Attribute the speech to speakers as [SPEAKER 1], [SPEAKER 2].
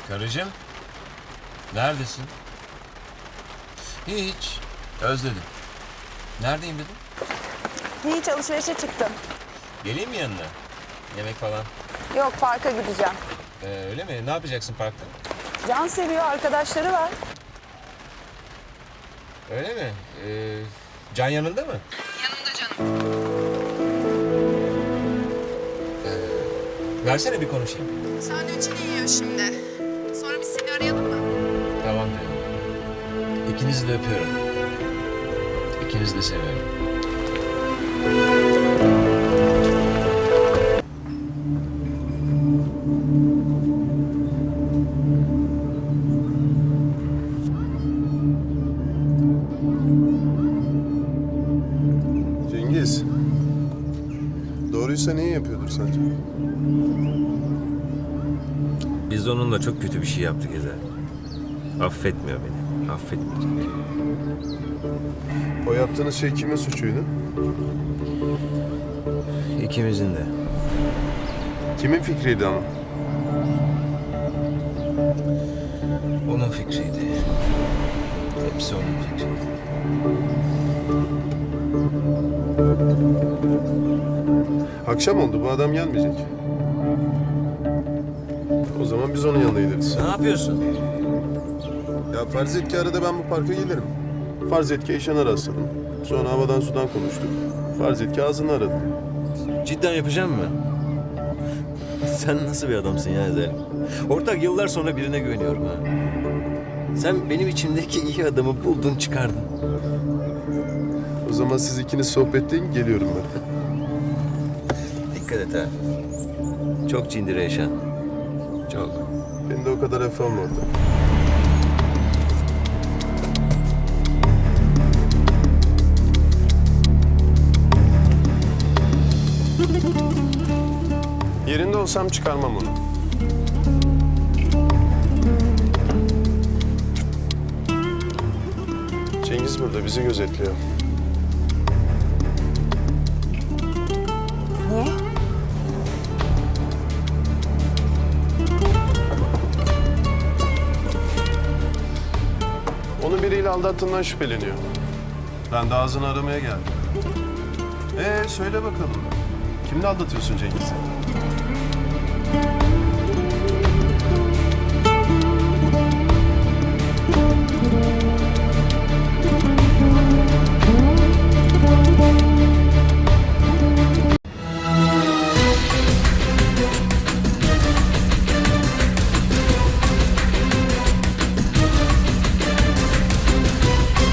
[SPEAKER 1] Karıcığım, neredesin? Hiç, özledim. Neredeyim dedim?
[SPEAKER 2] Hiç alışverişe çıktım.
[SPEAKER 1] Geleyim mi yanına? Yemek falan.
[SPEAKER 2] Yok parka gideceğim.
[SPEAKER 1] Öyle mi? Ne yapacaksın parkta?
[SPEAKER 2] Can seviyor arkadaşları var.
[SPEAKER 1] Öyle mi? Can yanında mı?
[SPEAKER 2] Yanımda canım.
[SPEAKER 1] Versene bir konuşayım.
[SPEAKER 2] Sandviçini yiyor şimdi. Sonra biz seni arayalım mı?
[SPEAKER 1] Tamam diyorum. İkinizi de öpüyorum. İkinizi de seviyorum.
[SPEAKER 3] Cengiz. Doğruysa niye yapıyordur sence?
[SPEAKER 1] Biz onunla çok kötü bir şey yaptık Ezel. Affetmiyor beni. Affetmeyecek.
[SPEAKER 3] O yaptığınız şey kimin suçuydu?
[SPEAKER 1] İkimizin de.
[SPEAKER 3] Kimin fikriydi ama?
[SPEAKER 1] Onun fikriydi. Hepsi onun fikriydi.
[SPEAKER 3] Akşam oldu, bu adam gelmeyecek. O zaman biz onun yanına gideriz.
[SPEAKER 1] Ne yapıyorsun?
[SPEAKER 3] Ya farz et ki arada ben bu parka gelirim. Farz et ki Eyşan'a rastladım. Sonra havadan sudan konuştuk. Farz et ki ağzını aradım.
[SPEAKER 1] Cidden yapacağım mı? Sen nasıl bir adamsın ya Ezel? Ortak yıllar sonra birine güveniyorum ha. Sen benim içimdeki iyi adamı buldun çıkardın.
[SPEAKER 3] O zaman siz ikiniz sohbetleyin, geliyorum ben.
[SPEAKER 1] Dikkat et ha. Çok cindire yaşan. Çok.
[SPEAKER 3] Beni de o kadar hafife alma orada. Yerinde olsam çıkarmam onu. Cengiz burada bizi gözetliyor.
[SPEAKER 2] Niye?
[SPEAKER 3] Onu biriyle aldattığından şüpheleniyor. Ben de ağzını aramaya geldim. Söyle bakalım. Kimle aldatıyorsun Cengiz'i?